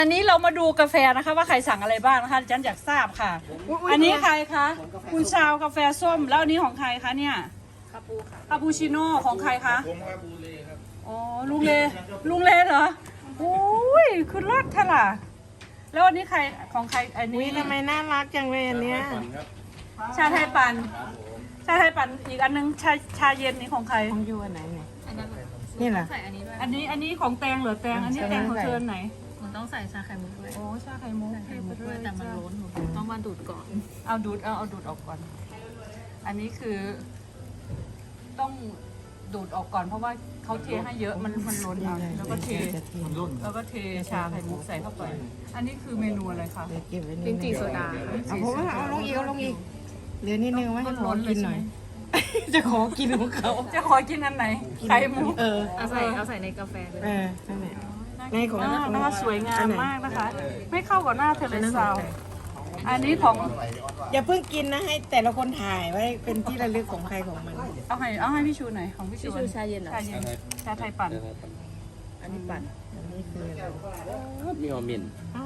อันนี้เรามาดูกาแฟนะคะว่าใครสั่งอะไรบ้างนะคะฉันอยากทราบค่ะ อันนี้ใครคะคุณชาวกาแฟส้มแล้วอันนี้ของใครคะเนี่ยคาปูค่ะคาปูชิโน่ของใครคะผมครับบูเล่ครับอ๋อลุงเลเหรอโอ้ยคือรสเท่าล่ะแล้วอันนี้ใครของใครอันนี้ทำไมน่ารักจังเลยอันเนี้ยชาไทยปั่นชาไทยปั่นอีกอันนึงชาเย็นนี่ของใครของยูอันไหนเนี่ยนี่แหละใส่อันนี้ด้วยอันนี้ของแตงเหรอแตงอันนี้แตงของเธอไหนมันต้องใส่ชาไข่มุกด้วยโอ้ชาไข่มุกด้วยแต่มันล้นหนูต้องมาดูดก่อนเอาดูดออกก่อนอันนี้คือต้องดูดออกก่อนเพราะว่าเขาเทให้เยอะมันล้นเอาแล้วก็เทชาไข่มุกใส่เข้าไปอันนี้คือเมนูอะไรคะลิ้นจี่โซดาเอาผมว่าเอาลงอีกเหลือนิดนึงไว้ให้ขอกินหน่อยจะขอกินของเขาจะขอกินอันไหนไข่มุกเอาใส่ในกาแฟเลยนั่นแหละในของนะคะสวยงามมากนะคะ ไม่เข้ากับหน้าเทเลซาวอันนี้ของอย่าเพิ่งกินนะให้แต่ละคนถ่ายไว้เป็นที่ระลึกของใครของมันเอาให้พี่ชูหน่อยของพี่ชูชาเย็นเหรอชาไทยปั่นอันนี้ปั่นอันนี้คือมีออมิน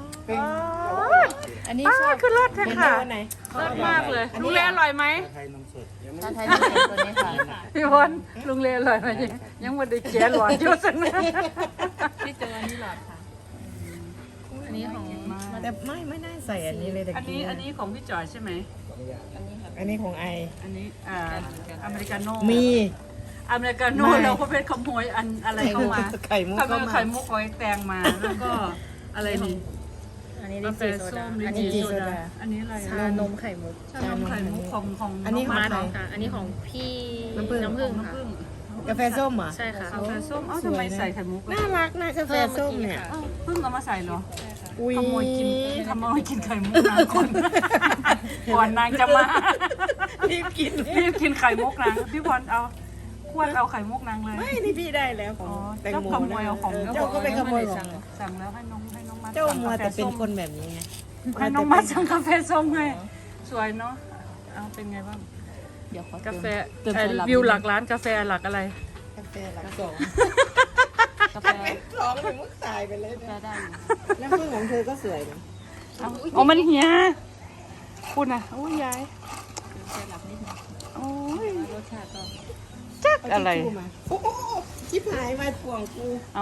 อันนี้คือรสค่ะรสมากเลยลุงเลอร่อยไหมชาไทยนมสดตัวนี้ค่ะพี่พลลุงเลอร่อยไหมยังไม่ได้แกะหลอดยุ่งสักนะพี่เจออันนี้หลอดค่ะอันนี้ของแต่ไม่ได้ใส่อันนี้เลยแต่อันนี้ของพี่จอยใช่ไหมอันนี้ของไออันนี้อเมริกาโน่มีอเมริกาโน่เราก็เป็นขโมยอะไรเข้ามาไข่มุกไข่มุกอ้อยแตงมาแล้วก็อะไรนี่อันนี้ลิ้นจี่โซดาอันนี้โซดาอันนี้อะไรชานมไข่มุกชานมไข่มุกของอันนี้ของใครอันนี้ของพี่น้ำผึ้งค่ะกาแฟส้มเหรอใช่ค่ะกาแฟส้มทำไมใส่ไข่มุกน่ารักนะกาแฟส้มเนี่ยเพิ่งเอามาใส่เหรอขโมยกินไข่มุกนางก่อนนางจะมารีบกินไข่มุกนางพี่พรเอาควรเอาไข่มุกนางเลยไม่นี่พี่ได้แล้วของแตงโมขโมยเอาของเจ้าก็เป็นขโมยของสั่งแล้วให้น้องมาเจ้ามัวแต่เป็นคนแบบนี้ไงให้น้องมาสั่งกาแฟส้มให้สวยเนาะเอาเป็นไงบ้างเดี๋ยวกาแฟวิวหลักร้านกาแฟหลักอะไรกาแฟหลัก2 กาแฟ 2เป็นมุกตายไปเลยนะได้แล้วพึ่งของเธอก็สวยนะอ๋อมันเหียคุณอ่ะโอ้ยยายหลับนิดนึงโอ้ยรสชาติก็จักอะไรโอ้ชิบหายมาถ่วงกูเอา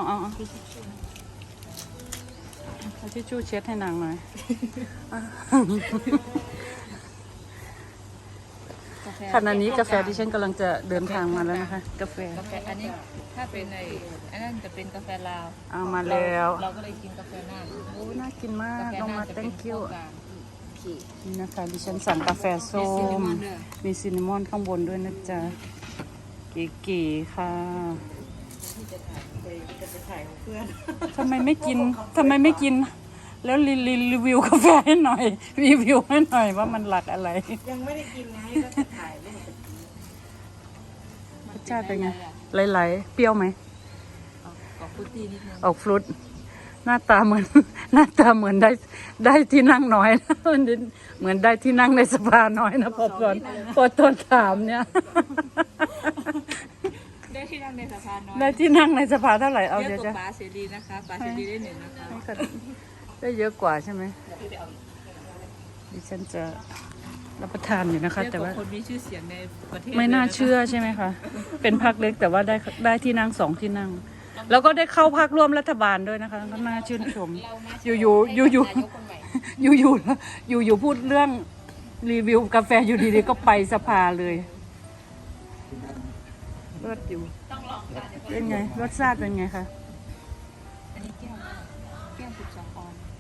ทิชชู่เช็ดให้นางหน่อยขณะนี้กาแฟที่ฉันกำลังจะเดินทางมาแล้วนะคะกาแฟอันนี้ถ้าเป็นอันนั้นจะเป็นกาแฟลาวเอามาแล้วเราก็เลยกินกาแฟน่านโอ้น่ากินมากน้องมา thank you นี่นะคะดิฉันสั่งกาแฟส้มมีซินนามอนข้างบนด้วยนะจ๊ะเก๋ๆค่ะทำไมไม่กินแล้วรีวิวกาแฟให้หน่อยรีวิวให้หน่อยว่ามันหลักอะไรยังไม่ได้กินไงก็จะถ่ายรูปรสชาติเป็นไงไหลๆเปรี้ยวไหมออกฟรุตหน้าตาเหมือนได้ที่นั่งน้อยนะเหมือนได้ที่นั่งในสภาน้อยนะพอตอนถามเนี่ยได้ที่นั่งในสภาน้อยได้ที่นั่งในสภาเท่าไหร่เอาเดี๋ยวจะป๋าเสรีนะคะป๋าเสรีได้1นะคะได้เยอะกว่าใช่ไหมดิฉันจะรับประทานอยู่นะคะแต่ว่าคนมีชื่อเสียงในประเทศไม่น่าเชื่อใช่ไหมคะเป็นพรรคเล็กแต่ว่าได้ที่นั่ง2ที่นั่งแล้วก็ได้เข้าพรรคร่วมรัฐบาลด้วยนะคะก็น่าชื่นชมอยู่พูดเรื่องรีวิวกาแฟอยู่ดีๆก็ไปสภาเลยรสอยู่เป็นไงรสชาติเป็นไงคะอันนี้แก้ว12 ออนซ์